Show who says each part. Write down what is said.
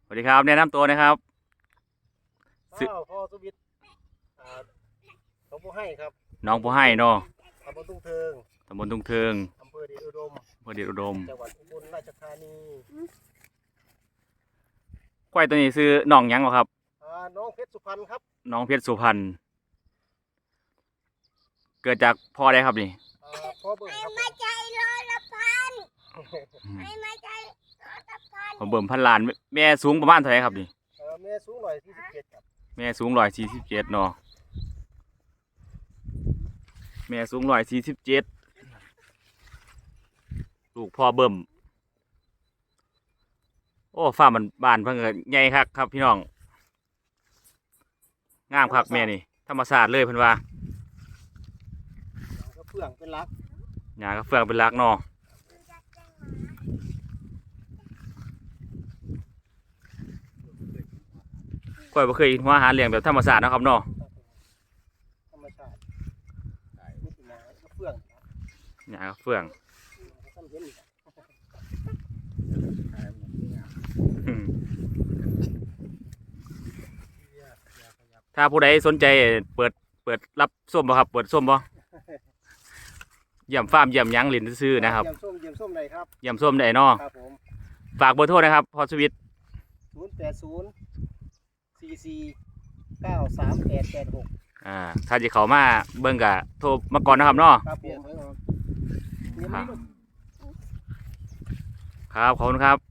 Speaker 1: สวัสดีครับแนะนำตัวนะครับ
Speaker 2: พ่อสุวิทย์หนองบัวให้ครับ
Speaker 1: น้องผู้ให้เนาะ
Speaker 2: ตำบลทุ่งเทิง
Speaker 1: ตำบลทุ่งเทิง
Speaker 2: อำเภอเดชอุดม
Speaker 1: อำเภอเดชอุดม
Speaker 2: จังหวัดอุบลราชธานี
Speaker 1: ควายตัวนี้ซื้อน้องหยังเหรอครับ
Speaker 2: น้องเพชรสุพรรณครับ
Speaker 1: น้องเพชรสุพรรณเกิดจากพ่อได้ครับนี่
Speaker 2: พ่อเบิ่มครับ
Speaker 3: ไม่ใจร้อยละพันไม่ใจร้อยละพัน
Speaker 1: ผมเบิ่มพันล้านแม่สูงประมาณเท่าไหร่ครับนี่
Speaker 2: แม่สูง147ครับ
Speaker 1: แม่สูง147เนาะแม่สูง147ลูกพ่อเบิ่มโอ้ฟ้ามันบานเพิ่งเกิดใหญ่คักครับพี่น้องงามคักแม่นี่ธรรมศาสตร์เลยเพิ่นว่า
Speaker 2: ก็เฟื่องเป็นรัก
Speaker 1: หญ้าก็เฟืองเป็นรักเนาะก้อยบ่เคยเห็นหัวอาหารเลี้ยงแบบธรรมศาสตร์นะครับเนาะ
Speaker 2: ธรรมชาตินี่เป็นก็เฟื่อง
Speaker 1: หญ้าก็เฟืองถ้าผู้ใดสนใจเปิดรับส้มบ่ครับเปิดส้มบ่เยี่ยมฟาร์มเยี่ยมยังหลินซื้อนะครับ
Speaker 2: เยี่ยมส้มเลยครับ
Speaker 1: เยี่ยมส้มได้เนาะ
Speaker 2: ครับผม
Speaker 1: ฝากเบอร์โทรนะครับพอสวิต
Speaker 2: 080 44 93 886
Speaker 1: ถ้าจะเข้ามาเบิ่งกะโทรมาก่อนนะครับเนาะ
Speaker 2: ครับผม
Speaker 1: ครับขอบคุณครับ